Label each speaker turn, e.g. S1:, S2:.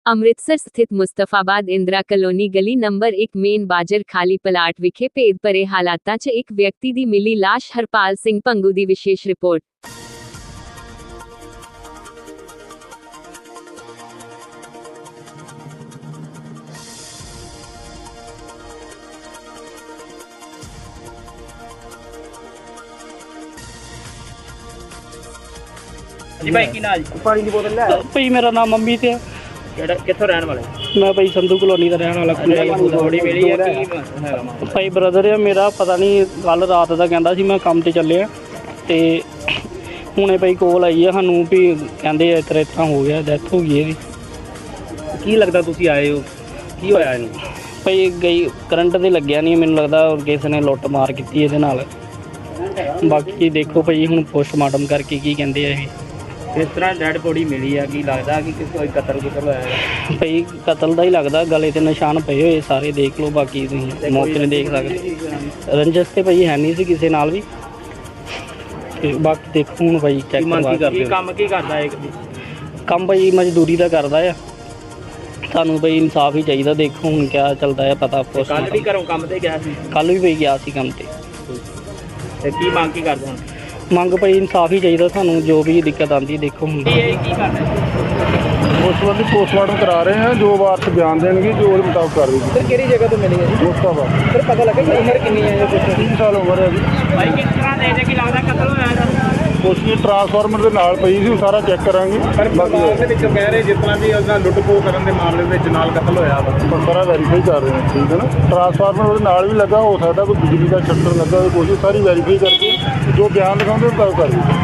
S1: ਅੰਮ੍ਰਿਤਸਰ ਸਥਿਤ ਮੁਸਤਫਾਬਾਦ ਇੰਦਰਾ ਕਲੋਨੀ ਗਲੀ number 1 main ਬਾਜਰ ਖਾਲੀ ਪਲਾਟ ਵਿਖੇ ਭੇਦ ਭਰੇ ਹਾਲਾਤਾਂ 'ਚ ਇੱਕ ਵਿਅਕਤੀ ਦੀ ਮਿਲੀ ਲਾਸ਼। ਹਰਪਾਲ ਸਿੰਘ ਭੰਗੂ ਦੀ ਵਿਸ਼ੇਸ਼ ਰਿਪੋਰਟ।
S2: जी भाई की ना जी
S3: पानी की बोतल ले
S4: भाई मेरा नाम अमित है।
S2: कित्थों रहने वाले
S4: मैं भाई संधू कॉलोनी का रहने वाला
S2: बॉडी मिली है की हैगा मामला?
S4: भाई ब्रदर है मेरा, पता नहीं कल रात का कहता सी मैं काम ते चलिया ते हुणे भाई कॉल आई है सानू भी कहंदे इस तरह हो गया, डेथ हो गई है।
S2: की लगता तुसी आए हो की होया इनू?
S4: भाई गई करंट ते लग्या नहीं, मैनूं लगदा और किसी ने लुੱਟ मार कीती इहदे नाल। बाकी देखो भाई हुण पोस्टमार्टम करके की कहंदे आ।
S2: इस तरह डेड बॉडी मिली है की लगता कि कोई कतल होया है?
S4: भाई कतल का ही लगता, गले ते निशान पे हुए सारे देख लो, बाकी तुसीं मौके नहीं देख सकते। रंजस ते भाई है नहीं सी किसी नाल भी। ते बाकी देखो हुण भाई चेक
S2: काम की करदा है?
S4: काम भाई मजदूरी का करदा है। सानू भाई इंसाफ ही चाहिए। देखो हुण क्या चलता है पता।
S2: कल भी घरों काम ते गया सी?
S4: कल भी भाई गया सी काम ते।
S2: ते की मांग की करदे हुण?
S4: मंग भाई इंसाफ ही चाहिए सानू, जो भी दिक्कत आती देखो हुण।
S2: की करना
S3: उस संबंधी पोस्टमार्टम करा रहे हैं, जो वारस बयान देंगे जो उसके मुताबिक कर देंगे।
S2: सर किहड़ी जगह तो मिली है जी?
S3: मुस्ताफा
S2: सर पता लगा कि उम्र कितनी है?
S3: 3 साल उम्र है जी।
S2: भाई किस तरह दे कि लगता कतल होया है?
S3: उसकी ट्रांसफार्मर ਦੇ ਨਾਲ ਪਈ ਸੀ, ਉਹ ਸਾਰਾ ਚੈੱਕ ਕਰਾਂਗੇ।
S5: ਪਰ ਪਰਿਵਾਰ ਦੇ ਵਿੱਚੋਂ ਕਹਿ ਰਹੇ ਜਿਸ ਤਰ੍ਹਾਂ ਵੀ ਉਹਦਾ ਲੁੱਟ-ਖੋਹ ਕਰਨ ਦੇ ਮਾਮਲੇ ਵਿੱਚ ਨਾਲ ਕਤਲ ਹੋਇਆ ਵਾ।
S3: ਸਾਰਾ ਵੈਰੀਫਾਈ ਕਰ ਰਹੇ ਹਾਂ, ਠੀਕ ਹੈ ਨਾ। ਟਰਾਂਸਫਾਰਮਰ ਉਹਦੇ ਨਾਲ ਵੀ ਲੱਗਾ, ਹੋ ਸਕਦਾ ਕੋਈ ਬਿਜਲੀ ਦਾ ਸ਼ਟਰ ਲੱਗਾ ਹੋਵੇ, ਕੋਸ਼ਿਸ਼ ਸਾਰੀ ਵੈਰੀਫਾਈ ਕਰਕੇ ਜੋ ਬਿਆਨ ਲਿਖਾਉਂਦੇ ਉਹ ਕਰ ਦਿਓ।